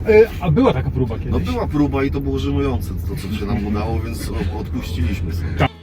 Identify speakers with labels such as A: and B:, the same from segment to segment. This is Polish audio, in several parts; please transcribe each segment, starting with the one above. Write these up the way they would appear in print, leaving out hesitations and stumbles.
A: A była taka próba kiedyś?
B: No była próba i to było żenujące, to co się nam udało, więc odpuściliśmy sobie.
A: Tak.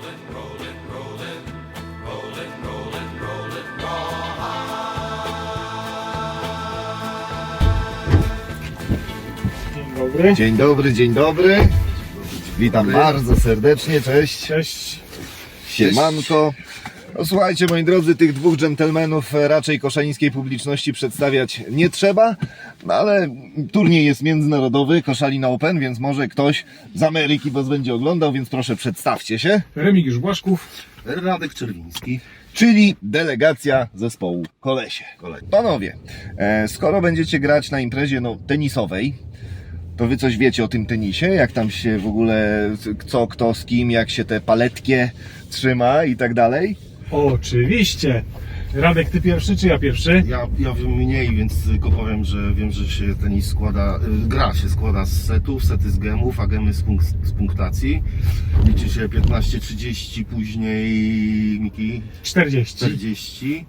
A: Dzień dobry.
C: Dzień dobry, dzień dobry. Witam bardzo serdecznie, cześć.
A: Cześć.
C: Siemanko. No, słuchajcie, moi drodzy, tych dwóch dżentelmenów raczej koszalińskiej publiczności przedstawiać nie trzeba, no ale turniej jest międzynarodowy, Koszalin Open, więc może ktoś z Ameryki was będzie oglądał, więc proszę przedstawcie się.
A: Remigiusz Błaszków.
B: Radek Czerwiński.
C: Czyli delegacja zespołu Kolesie. Panowie, skoro będziecie grać na imprezie tenisowej, to wy coś wiecie o tym tenisie? Jak tam się w ogóle, co, kto, z kim, jak się te paletkie trzyma i tak dalej?
A: Oczywiście. Radek, ty pierwszy czy ja pierwszy?
B: Ja wiem mniej, więc tylko powiem, że wiem, że się tenis składa, gra się składa z setów, sety z gemów, a gemy z punktacji. Liczy się 15-30, później Miki
A: 40.
B: 40.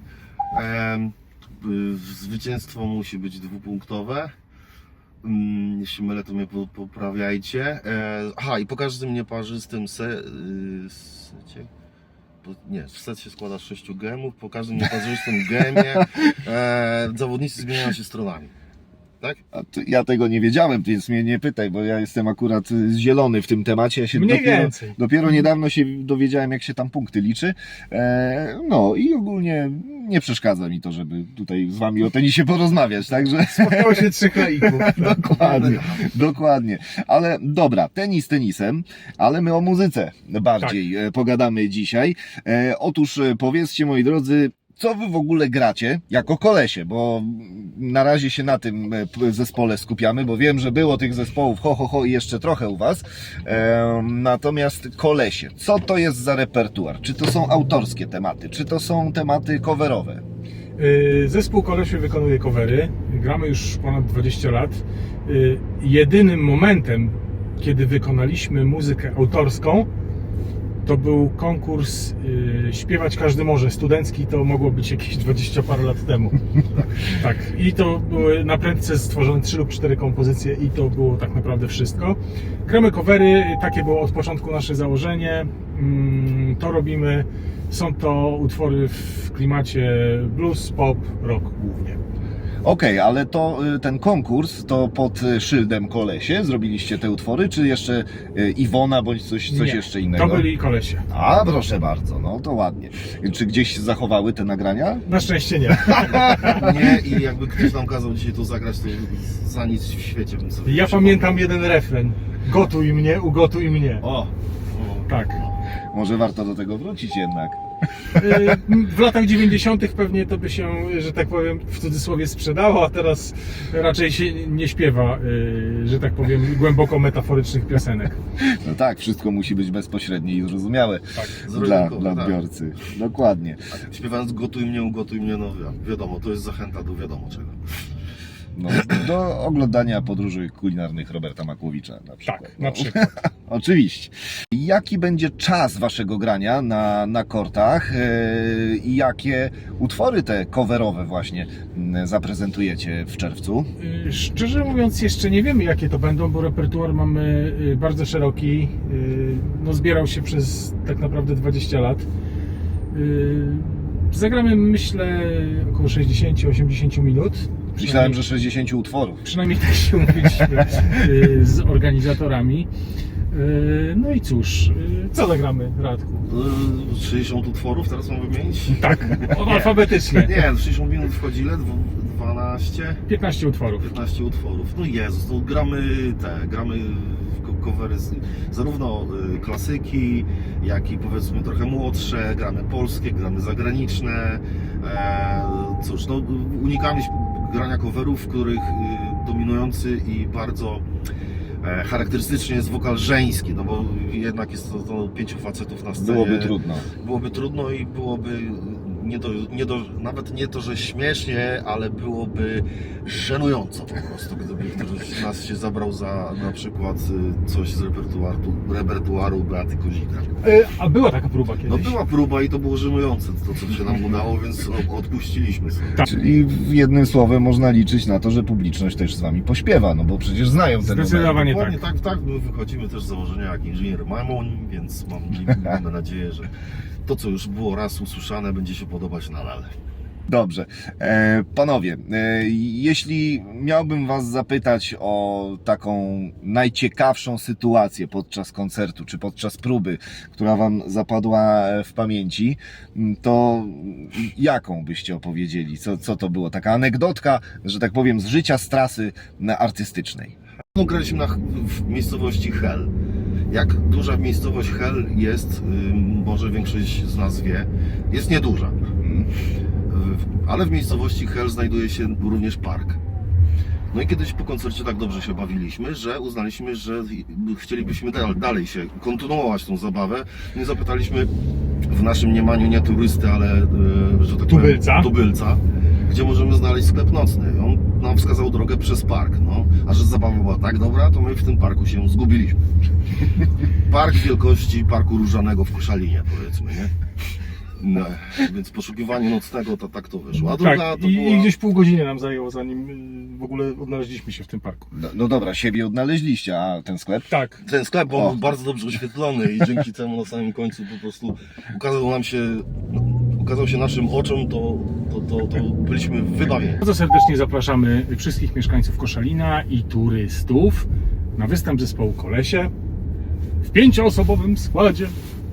B: Zwycięstwo musi być dwupunktowe. Jeśli mylę, to mnie poprawiajcie. Aha, i po każdym nieparzystym secie. W set się składa z 6 gemów, po każdym nieparzystym gemie zawodnicy zmieniają się stronami. Tak?
C: Ja tego nie wiedziałem, więc mnie nie pytaj, bo ja jestem akurat zielony w tym temacie. Ja się
A: Mniej więcej.
C: dopiero niedawno się dowiedziałem, jak się tam punkty liczy. No i ogólnie nie przeszkadza mi to, żeby tutaj z wami o tenisie porozmawiać, także...
A: Spotkało się 3 laików.
C: Dokładnie. Ale dobra, tenis tenisem, ale my o muzyce bardziej pogadamy dzisiaj. Otóż powiedzcie, moi drodzy, co wy w ogóle gracie jako Kolesie, bo na razie się na tym zespole skupiamy, bo wiem, że było tych zespołów i jeszcze trochę u was. Natomiast Kolesie, co to jest za repertuar? Czy to są autorskie tematy? Czy to są tematy coverowe?
A: Zespół Kolesie wykonuje covery. Gramy już ponad 20 lat. Jedynym momentem, kiedy wykonaliśmy muzykę autorską, to był konkurs Śpiewać Każdy Może. Studencki, to mogło być jakieś 20 parę lat temu. Tak. I to były na prędce stworzone 3 lub 4 kompozycje i to było tak naprawdę wszystko. Gramy covery, takie było od początku nasze założenie. To robimy. Są to utwory w klimacie blues, pop, rock głównie.
C: Okej, ale to ten konkurs to pod szyldem Kolesie zrobiliście te utwory, czy jeszcze Iwona bądź coś
A: Nie,
C: jeszcze innego?
A: To byli Kolesie.
C: A, proszę bardzo, no to ładnie. Czy gdzieś się zachowały te nagrania?
A: Na szczęście nie.
B: Nie, i jakby ktoś nam kazał dzisiaj to zagrać, to za nic w świecie bym sobie
A: Ja
B: nie
A: pamiętam jeden refren. Gotuj mnie, ugotuj mnie.
B: O!
A: Tak.
C: Może warto do tego wrócić jednak.
A: W latach 90. pewnie to by się, że tak powiem, w cudzysłowie sprzedało, a teraz raczej się nie śpiewa, że tak powiem, głęboko metaforycznych piosenek.
C: No tak, wszystko musi być bezpośrednie i zrozumiałe dla
B: tak.
C: odbiorcy. Dokładnie.
B: A śpiewając gotuj mnie, ugotuj mnie, no wiadomo, to jest zachęta do wiadomo czego.
C: No, do oglądania podróży kulinarnych Roberta Makłowicza na przykład.
A: Tak, na przykład.
C: Oczywiście. Jaki będzie czas waszego grania na kortach i jakie utwory te coverowe właśnie zaprezentujecie w czerwcu?
A: Szczerze mówiąc, jeszcze nie wiemy, jakie to będą, bo repertuar mamy bardzo szeroki. No, zbierał się przez tak naprawdę 20 lat. Zagramy, myślę, około 60-80 minut.
C: Myślałem, że 60 utworów.
A: Przynajmniej tak się umówiliśmy z organizatorami. No i cóż, co zagramy, Radku?
B: 60 utworów teraz mam wymienić?
A: Tak, alfabetycznie.
B: Nie, 60 minut wchodzi ile? 12?
A: 15 utworów.
B: 15 utworów. No Jezus, no gramy covery zarówno klasyki, jak i powiedzmy trochę młodsze, gramy polskie, gramy zagraniczne. Cóż, no unikamy grania coverów, w których dominujący i bardzo charakterystycznie jest wokal żeński, no bo jednak jest to 5 facetów na scenie. Byłoby trudno i byłoby nawet nie to, że śmiesznie, ale byłoby żenująco po prostu, gdyby któryś nas się zabrał za na przykład coś z repertuaru Beaty Kozika.
A: A była taka próba kiedyś.
B: No była próba i to było żenujące, to co się nam udało, więc odpuściliśmy sobie.
A: Tak.
C: Czyli jednym słowem można liczyć na to, że publiczność też z wami pośpiewa, no bo przecież znają ten numer.
A: Zdecydowanie
B: Dokładnie
A: tak.
B: tak, my wychodzimy też z założenia jak inżynier Mamoń, więc mamy nadzieję, że to co już było raz usłyszane będzie się podobać nadal.
C: Dobrze. Panowie, jeśli miałbym was zapytać o taką najciekawszą sytuację podczas koncertu, czy podczas próby, która wam zapadła w pamięci, to jaką byście opowiedzieli? Co to było? Taka anegdotka, że tak powiem, z życia, z trasy artystycznej.
B: No, graliśmy w miejscowości Hel. Jak duża miejscowość Hel jest, może większość z nas wie, jest nieduża. Ale w miejscowości Hel znajduje się również park. No i kiedyś po koncercie tak dobrze się bawiliśmy, że uznaliśmy, że chcielibyśmy dalej się kontynuować tą zabawę. Nie zapytaliśmy w naszym mniemaniu nie turysty, ale że tak powiem, tubylca, gdzie możemy znaleźć sklep nocny. On nam wskazał drogę przez park. No, a że zabawa była tak dobra, to my w tym parku się zgubiliśmy. Park wielkości Parku Różanego w Koszalinie, powiedzmy, nie? No, więc poszukiwanie nocnego to tak to wyszło. A druga
A: Tak,
B: to
A: i
B: była...
A: gdzieś pół godziny nam zajęło, zanim w ogóle odnaleźliśmy się w tym parku.
C: No dobra, siebie odnaleźliście, a ten sklep?
A: Tak.
B: Ten sklep
C: O.
B: był bardzo dobrze oświetlony i dzięki temu na samym końcu po prostu ukazał się naszym oczom, to byliśmy wybawieni.
A: Bardzo serdecznie zapraszamy wszystkich mieszkańców Koszalina i turystów na występ zespołu Kolesie w 5-osobowym składzie.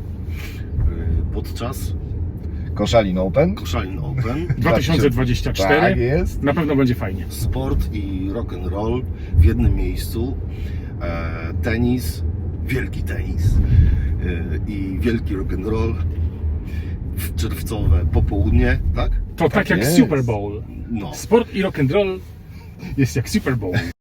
B: Podczas
C: Koszalin Open?
B: Koszalin Open
A: 2024.
C: Tak jest.
A: Na pewno będzie fajnie.
B: sport i rock and roll w jednym miejscu, tenis, wielki tenis i wielki rock and roll w czerwcowe popołudnie, tak?
A: To tak jak
C: jest.
A: Super Bowl.
B: No.
A: Sport i rock and roll jest jak Super Bowl.